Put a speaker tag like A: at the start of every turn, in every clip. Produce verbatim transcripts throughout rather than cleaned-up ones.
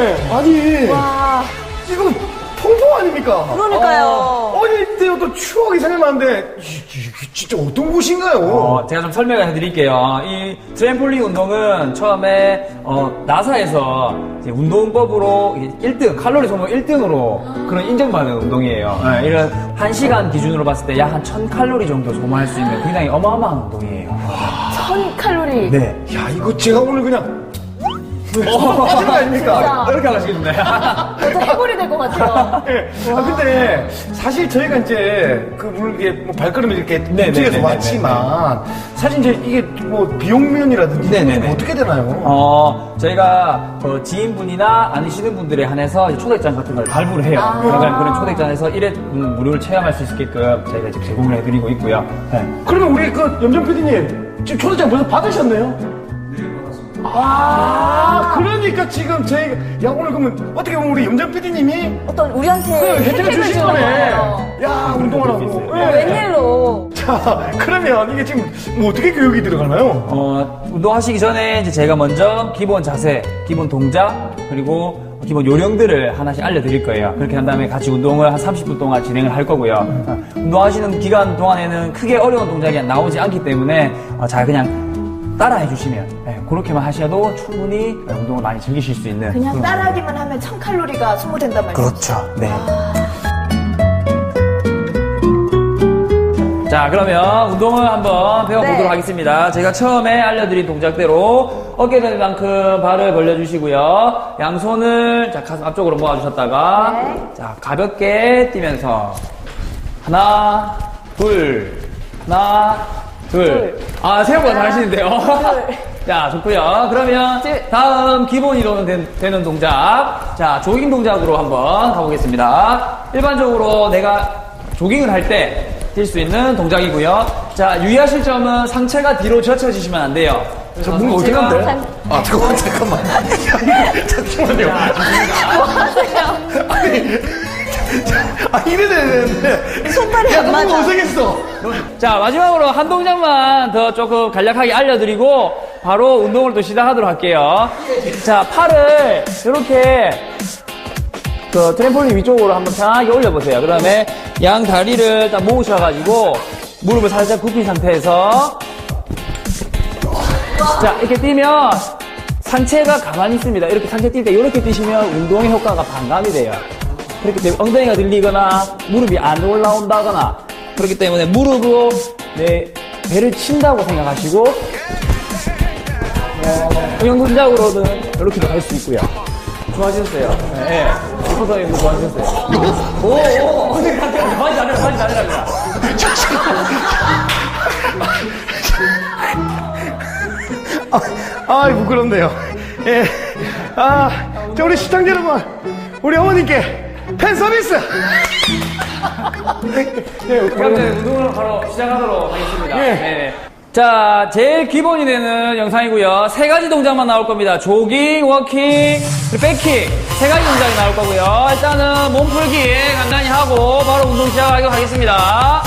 A: 아니.
B: 와.
A: 지금 통통 아닙니까?
B: 그러니까요.
A: 어, 어릴 때부터 추억이 생각나는데, 이게 진짜 어떤 곳인가요?
C: 어, 제가 좀 설명을 해드릴게요. 이 트램폴린 운동은 처음에 어, 나사에서 이제 운동법으로 일 등, 칼로리 소모 일 등으로 그런 인정받은 운동이에요. 네, 이런 한 시간 기준으로 봤을 때 약 한 천 칼로리 정도 소모할 수 있는 굉장히 어마어마한 운동이에요.
B: 천 칼로리.
C: 네.
A: 야, 이거 제가 오늘 그냥, 어, 빠진 거 아닙니까?
C: 이렇게 하시겠네.
B: 저도 해골이 될 것 같아요.
A: 네. 아, 근데, 사실 저희가 이제, 그, 물론 이게 뭐 발걸음이 이렇게
C: 네,
A: 움직여서
C: 네, 네,
A: 왔지만, 사실 이제 이게 뭐 비용면이라든지,
C: 네, 네,
A: 이게
C: 네.
A: 어떻게 되나요?
C: 어, 저희가 어, 지인분이나 아니시는 분들에 한해서 이제 초대장 같은 걸 발부를 해요.
B: 아.
C: 그러면 그런 초대장에서 일회 음, 무료를 체험할 수 있게끔 저희가 이제 제공을 해드리고 있고요. 네.
A: 그러면 우리 그 염정 피디님, 지금 초대장 벌써 받으셨네요? 아, 그러니까 지금 저희가, 야, 오늘 그러면 어떻게 보면 우리 염정 피디님이
B: 어떤 우리한테
A: 그 혜택을 주신
B: 주는
A: 거네.
B: 거예요.
A: 야, 운동하라고.
B: 어,
A: 네.
B: 웬일로.
A: 자, 그러면 이게 지금 뭐 어떻게 교육이 들어가나요?
C: 어, 운동하시기 전에 이제 제가 먼저 기본 자세, 기본 동작, 그리고 기본 요령들을 하나씩 알려드릴 거예요. 그렇게 한 다음에 같이 운동을 한 삼십 분 동안 진행을 할 거고요. 어, 운동하시는 기간 동안에는 크게 어려운 동작이 나오지 않기 때문에 어, 잘 그냥 따라해 주시면 네, 그렇게만 하셔도 충분히 운동을 많이 즐기실 수 있는
B: 그냥
C: 그런
B: 따라하기만 하면 천 칼로리가 소모된단 말이죠.
C: 그렇죠. 네. 자, 그러면 운동을 한번 배워보도록
B: 네.
C: 하겠습니다. 제가 처음에 알려드린 동작대로 어깨 될 만큼 발을 벌려주시고요. 양손을 자, 가슴 앞쪽으로 모아주셨다가
B: 네.
C: 자, 가볍게 뛰면서 하나, 둘, 하나, 둘.
B: 둘.
C: 아, 생각보다
B: 하나,
C: 잘하시는데요.
B: 둘.
C: 자, 좋고요. 그러면
B: 둘.
C: 다음 기본 이동은 된- 되는 동작. 자, 조깅 동작으로 한번 가보겠습니다. 일반적으로 내가 조깅을 할 때 뛸 수 있는 동작이고요. 자, 유의하실 점은 상체가 뒤로 젖혀지시면 안 돼요.
A: 저 뭔가 어떻게
C: 제가
A: 한대?
B: 상-
A: 아, 잠깐만, 잠깐만. 잠시만요.
B: 뭐 하세요?
A: 아, 이래 되는데.
B: 손발이
A: 야,
B: 안
A: 너무
B: 맞아.
A: 어색했어.
C: 자, 마지막으로 한 동작만 더 조금 간략하게 알려드리고 바로 운동을 또 시작하도록 할게요. 자, 팔을 이렇게 그 트램폴린 위쪽으로 한번 편하게 올려보세요. 그 다음에 양 다리를 딱 모으셔가지고 무릎을 살짝 굽힌 상태에서 자, 이렇게 뛰면 상체가 가만히 있습니다. 이렇게 상체 뛸 때 이렇게 뛰시면 운동의 효과가 반감이 돼요. 그렇기 때문에 엉덩이가 들리거나 무릎이 안 올라온다거나 그렇기 때문에 무릎으로 내 배를 친다고 생각하시고 응용 동작으로는 이렇게도 할 수 있고요. 좋아지셨어요. 네. 슈퍼서님도 좋아지셨어요. 오, 오, 오. 많이 잘해라, 많이 잘해라.
A: 아, 부끄럽네요. 예. 아, 자, 우리 시청자 여러분. 우리 어머님께 팬 서비스! 네,
C: 그럼 이제 운동을 바로 시작하도록 하겠습니다.
A: 예.
C: 네. 자, 제일 기본이 되는 영상이고요. 세 가지 동작만 나올 겁니다. 조깅, 워킹, 그리고 백킥. 세 가지 동작이 나올 거고요. 일단은 몸풀기 간단히 하고 바로 운동 시작하도록 하겠습니다.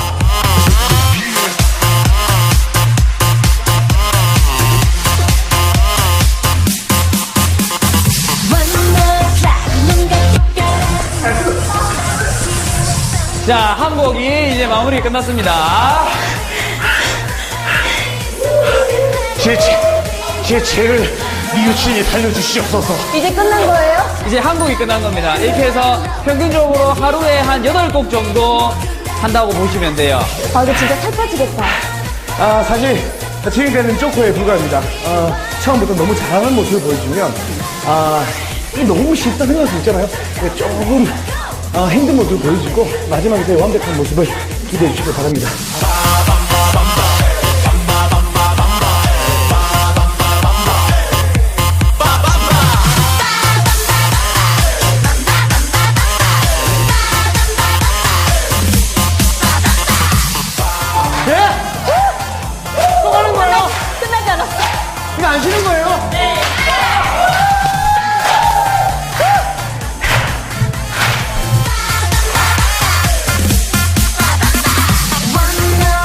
C: 자, 한 곡이 이제 마무리 끝났습니다.
A: 제, 제, 제 죄를 이웃이 살려주시옵소서.
B: 이제 끝난 거예요?
C: 이제 한 곡이 끝난 겁니다. 이렇게 해서 평균적으로 하루에 한 여덟 곡 정도 한다고 보시면 돼요.
B: 아, 이거 진짜 살 빠지겠다.
A: 아, 사실, 지금까지는 쪼코에 불과합니다. 아, 처음부터 너무 잘하는 모습을 보여주면, 아, 이게 너무 쉽다 생각할 수 있잖아요. 근데 조금, 아, 힘든 모습을 보여주고, 마지막에 제 완벽한 모습을 기대해 주시기 바랍니다. 예? 또 가는 거예요?
B: 끝나지 않았어.
A: 이거 안 쉬는 거예요?
B: 네.
D: One more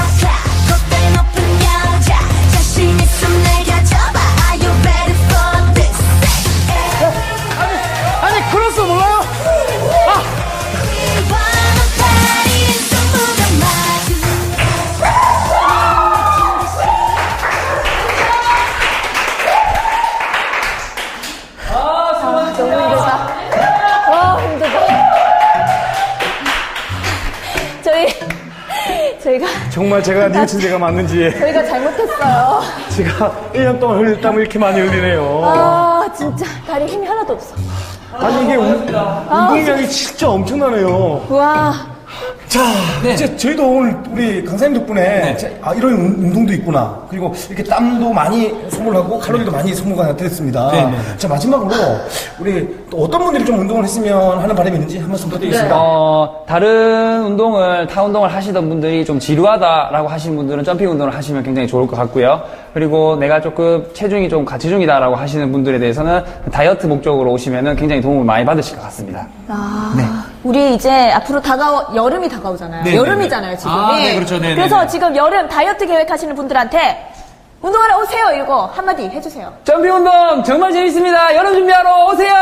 B: 저희가
A: 정말 제가 니은 제가 맞는지
B: 저희가 잘못했어요.
A: 제가 일 년 동안 흘릴 땀을 이렇게 많이 흘리네요.
B: 아 진짜 다리 힘이 하나도 없어.
A: 아니 이게 운- 운동량이 진짜 엄청나네요.
B: 와.
A: 자,
C: 네.
A: 이제 저희도 오늘 우리 강사님 덕분에 제- 아, 이런 운- 운동도 있구나. 그리고 이렇게 땀도 많이 소모하고 칼로리도 많이 소모가 됐습니다.
C: 네, 네, 네.
A: 자, 마지막으로 우리 또 어떤 분들이 좀 운동을 했으면 하는 바람이 있는지 한 말씀 부탁드리겠습니다.
C: 어, 다른 운동을, 타 운동을 하시던 분들이 좀 지루하다라고 하시는 분들은 점핑 운동을 하시면 굉장히 좋을 것 같고요. 그리고 내가 조금 체중이 좀 가체중이다라고 하시는 분들에 대해서는 다이어트 목적으로 오시면은 굉장히 도움을 많이 받으실 것 같습니다.
B: 아, 우리 이제 앞으로 다가오, 여름이 다가오잖아요.
C: 네,
B: 여름이잖아요, 지금이.
C: 아, 네, 그렇죠. 네,
B: 그래서
C: 네, 네.
B: 지금 여름 다이어트 계획하시는 분들한테 운동하러 오세요, 이거 한마디 해주세요.
C: 점핑 운동 정말 재밌습니다. 여름 준비하러 오세요!